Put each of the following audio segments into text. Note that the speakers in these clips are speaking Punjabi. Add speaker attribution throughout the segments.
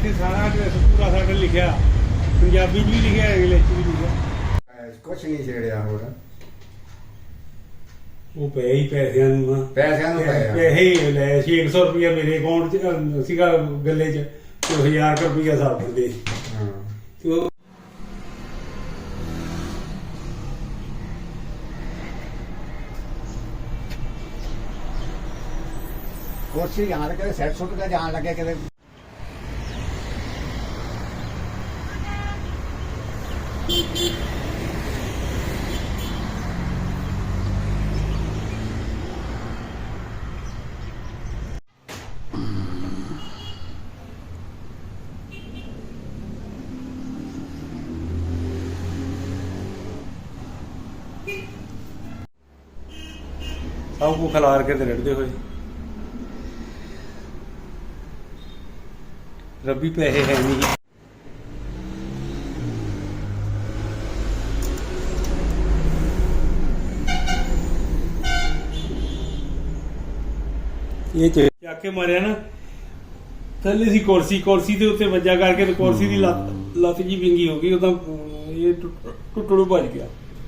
Speaker 1: ਇੱਥੇ ਸਾਰਾ ਐਡਰੈਸ ਪੂਰਾ ਸਾਡਾ ਲਿਖਿਆ, ਪੰਜਾਬੀ 'ਚ ਵੀ ਲਿਖਿਆ, ਇੰਗਲਿਸ਼ 'ਚ ਵੀ ਲਿਖਿਆ।
Speaker 2: ਕੁਛ ਨਹੀਂ ਛੇੜਿਆ ਹੋਰ।
Speaker 1: ਉਹ ਪਏ ਹੀ ਪੈਸਿਆਂ ਨੂੰ ਆ,
Speaker 2: ਪੈਸਿਆਂ ਨੂੰ ਪਏ ਆ।
Speaker 1: ਪੈਸੇ ਹੀ ਲੈ 600 ਰੁਪਇਆ ਮੇਰੇ ਅਕਾਊਂਟ 'ਚ ਸੀਗਾ ਗੱਲੇ 'ਚ, ਤੇ 1000 ਰੁਪਇਆ ਸਾਬ ਦਿੰਦੇ
Speaker 2: ਹਾਂ।
Speaker 1: ਤੇ ਉਹ
Speaker 2: ਕੁਰਸੀ ਜਾਣ ਲੱਗੇ ਸੈੱਟ ਸੁੱਟ ਕੇ ਜਾਣ ਲੱਗੇ ਕਿਤੇ।
Speaker 1: ਸਭ ਕੁ ਖਿਲਾਰ ਕੇ ਤੇ ਰੜਦੇ ਹੋਏ। ਰੱਬੀ ਪੈਸੇ ਹੈ ਨਹੀਂ। ਇਹ ਚੱਕ ਕੇ ਮਾਰਿਆ ਨਾ, ਥੱਲੇ ਸੀ ਕੁਰਸੀ, ਕੁਰਸੀ ਦੇ ਉੱਤੇ ਵੱਜਾ ਕਰਕੇ ਤੇ ਕੁਰਸੀ ਦੀ ਲੱਤ ਜੀ ਵਿੰਗੀ ਹੋ ਗਈ। ਉਹਦਾ ਇਹ ਟੁੱਟੜੂ ਭੱਜ ਗਿਆ।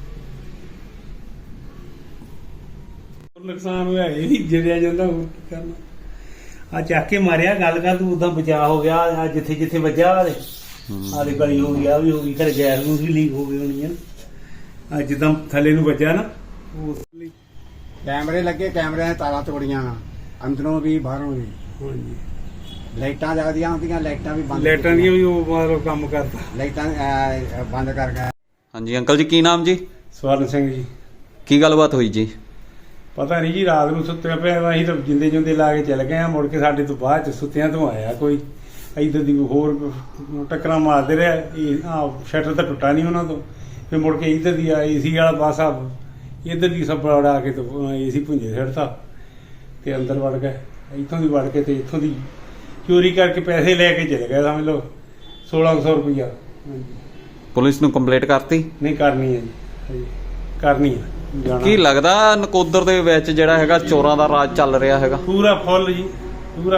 Speaker 1: ਨੁਕਸਾਨ ਹੋਇਆ, ਇਹ ਵੀ ਜਿਹੜਿਆ ਜਾਂਦਾ, ਹੋਰ ਕੀ ਕਰਨਾ। ਆ ਚੱਕ ਕੇ ਮਾਰਿਆ, ਗੱਲ ਕਰ ਤੂੰ, ਉਦਾਂ ਬਚਾ ਹੋ ਗਿਆ। ਆ ਜਿੱਥੇ ਜਿੱਥੇ ਵੱਜਾ ਆਦੇ ਗਲੀ ਹੋ ਗਈ, ਆ ਵੀ ਹੋ ਗਈ, ਘਰੇ ਗੈਸ ਨੂੰ ਵੀ ਲੀਕ ਹੋ ਗਈ ਹੋਣੀ ਆ। ਆ ਜਿੱਦਾਂ ਥੱਲੇ ਨੂੰ ਵੱਜਾ ਨਾ, ਉਸ ਲਈ
Speaker 2: ਕੈਮਰੇ ਲੱਗੇ, ਕੈਮਰਿਆਂ ਦੀਆਂ ਤਾਰਾਂ ਤੋੜੀਆਂ ਅੰਦਰੋਂ ਵੀ ਬਾਹਰੋਂ ਵੀ।
Speaker 1: ਹਾਂਜੀ,
Speaker 2: ਲਾਈਟਾਂ ਜਗਦੀਆਂ ਹੁੰਦੀਆਂ, ਲਾਈਟਾਂ ਵੀ ਬੰਦ।
Speaker 1: ਲਾਈਟਾਂ ਦੀਆਂ ਵੀ ਉਹ ਮਤਲਬ ਕੰਮ ਕਰਦਾ।
Speaker 2: ਲਾਈਟਾਂ ਬੰਦ ਕਰ ਗਏ।
Speaker 3: ਹਾਂਜੀ ਅੰਕਲ ਜੀ, ਕੀ ਨਾਮ ਜੀ?
Speaker 1: ਸਵਰਨ ਸਿੰਘ ਜੀ।
Speaker 3: ਕੀ ਗੱਲਬਾਤ ਹੋਈ ਜੀ?
Speaker 1: ਪਤਾ ਨਹੀਂ ਜੀ, ਰਾਤ ਨੂੰ ਸੁੱਤੇ ਪਿਆ, ਅਸੀਂ ਤਾਂ ਜਿੰਦੇ ਜੁੰਦੇ ਲਾ ਕੇ ਚਲੇ ਗਏ ਆ। ਮੁੜ ਕੇ ਸਾਡੇ ਤੋਂ ਬਾਅਦ ਚ ਸੁੱਤਿਆਂ ਤੋਂ ਆਇਆ ਕੋਈ ਇੱਧਰ ਦੀ ਹੋਰ ਟੱਕਰਾਂ ਮਾਰਦੇ ਰਿਹਾ। ਸ਼ਟਰ ਤਾਂ ਟੁੱਟਾ ਨਹੀਂ ਉਹਨਾਂ ਤੋਂ। ਫਿਰ ਮੁੜ ਕੇ ਇੱਧਰ ਦੀ ਏਸੀ ਵਾਲਾ ਪਾਸਾ, ਇੱਧਰ ਦੀ ਸੱਬੜਾ ਉਡਾ ਕੇ ਏਸੀ ਭੁੰਜੇ ਛੱਡਤਾ ਤੇ ਅੰਦਰ ਵੜ ਗਏ। ਇੱਥੋਂ ਦੀ ਵੜ ਕੇ ਤੇ ਇੱਥੋਂ ਦੀ ਚੋਰੀ ਕਰਕੇ ਪੈਸੇ ਲੈ ਕੇ ਚਲੇ ਗਏ, ਸਮਝ ਲਓ 1600 ਰੁਪਇਆ।
Speaker 3: ਪੁਲਿਸ ਨੂੰ ਕੰਪਲੇਂਟ ਕਰਤੀ?
Speaker 1: ਨਹੀਂ ਕਰਨੀ ਹੈ ਜੀ, ਕਰਨੀ ਹੈ।
Speaker 3: ਕੀ ਲੱਗਦਾ ਨਕੋਦਰ ਦੇ ਵਿੱਚ ਜਿਹੜਾ ਹੈਗਾ ਚੋਰਾਂ ਦਾ ਰਾਜ ਚੱਲ ਰਿਹਾ ਹੈਗਾ?
Speaker 1: ਪੂਰਾ ਫੁੱਲ ਜੀ, ਪੂਰਾ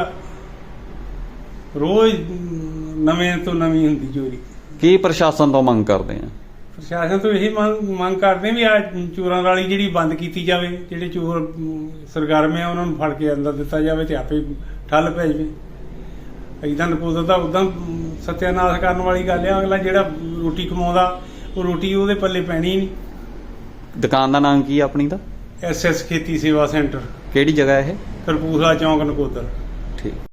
Speaker 1: ਰੋਜ਼ ਨਵੇਂ ਤੋਂ ਨਵੀਂ ਹੁੰਦੀ ਚੋਰੀ।
Speaker 3: ਕੀ ਪ੍ਰਸ਼ਾਸਨ ਤੋਂ ਮੰਗ ਕਰਦੇ ਆ?
Speaker 1: ਪ੍ਰਸ਼ਾਸਨ ਤੋਂ ਇਹੀ ਮੰਗ ਕਰਦੇ ਵੀ ਆ ਚੋਰਾਂ ਵਾਲੀ ਜਿਹੜੀ ਬੰਦ ਕੀਤੀ ਜਾਵੇ। ਜਿਹੜੇ ਚੋਰ ਸਰਗਰਮ ਆ ਉਹਨਾਂ ਨੂੰ ਫੜ ਕੇ ਅੰਦਰ ਦਿੱਤਾ ਜਾਵੇ ਤੇ ਆਪੇ ਠੱਲ ਪੈ ਜਾਵੇ। ਏਦਾਂ ਨਕੋਦਰ ਦਾ ਉਦਾਂ ਸਤਿਆਨਾਸ਼ ਕਰਨ ਵਾਲੀ ਗੱਲ ਆ। ਅਗਲਾ ਜਿਹੜਾ ਰੋਟੀ ਕਮਾਉਂਦਾ, ਉਹ ਰੋਟੀ ਉਹਦੇ ਪੱਲੇ ਪੈਣੀ ਨਹੀਂ।
Speaker 3: ਦੁਕਾਨ ਦਾ ਨਾਮ ਕੀ ਆ ਆਪਣੀ ਦਾ?
Speaker 1: SS ਖੇਤੀ ਸੇਵਾ ਸੈਂਟਰ।
Speaker 3: ਕਿਹੜੀ ਜਗ੍ਹਾ ਇਹ?
Speaker 1: ਕਰਪੂਸਲਾ ਚੌਂਕ, ਨਕੋਦਰ।
Speaker 3: ਠੀਕ।